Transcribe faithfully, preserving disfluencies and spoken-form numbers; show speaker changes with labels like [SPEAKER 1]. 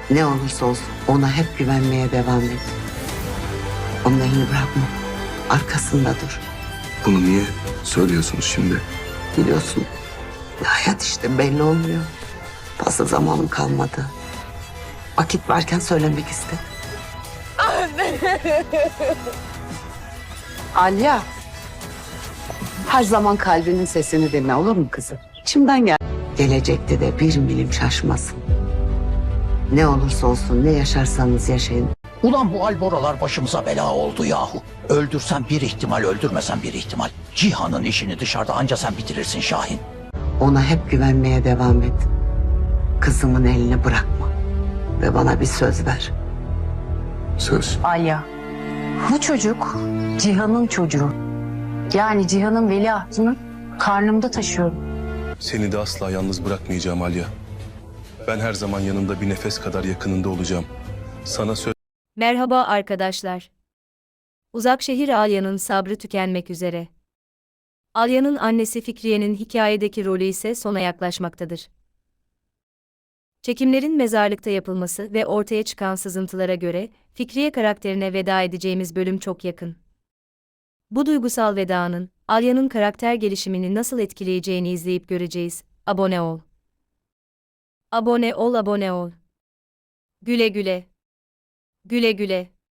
[SPEAKER 1] Ne olursa olsun ona hep güvenmeye devam et. Onun elini bırakma. Arkasında dur.
[SPEAKER 2] Bunu niye söylüyorsunuz şimdi?
[SPEAKER 1] Biliyorsun hayat işte belli olmuyor. Fazla zamanım kalmadı. Vakit varken söylemek istedim. Alya. Her zaman kalbinin sesini dinle, olur mu kızım? İçimden gel. Gelecekte de bir milim şaşmasın. Ne olursa olsun, ne yaşarsanız yaşayın.
[SPEAKER 3] Ulan bu alboralar başımıza bela oldu yahu. Öldürsen bir ihtimal, öldürmesen bir ihtimal. Cihan'ın işini dışarıda anca sen bitirirsin Şahin.
[SPEAKER 1] Ona hep güvenmeye devam et. Kızımın elini bırakma. Ve bana bir söz ver.
[SPEAKER 2] Söz.
[SPEAKER 4] Alya, bu çocuk Cihan'ın çocuğu. Yani Cihan'ın veliahtını karnımda taşıyorum.
[SPEAKER 2] Seni de asla yalnız bırakmayacağım Alya. Ben her zaman yanında bir nefes kadar yakınında olacağım. Sana söz...
[SPEAKER 5] Merhaba arkadaşlar. Uzakşehir Alya'nın sabrı tükenmek üzere. Alya'nın annesi Fikriye'nin hikayedeki rolü ise sona yaklaşmaktadır. Çekimlerin mezarlıkta yapılması ve ortaya çıkan sızıntılara göre Fikriye karakterine veda edeceğimiz bölüm çok yakın. Bu duygusal vedanın Alya'nın karakter gelişimini nasıl etkileyeceğini izleyip göreceğiz. Abone ol. Abone ol, abone ol. Güle güle. Güle güle.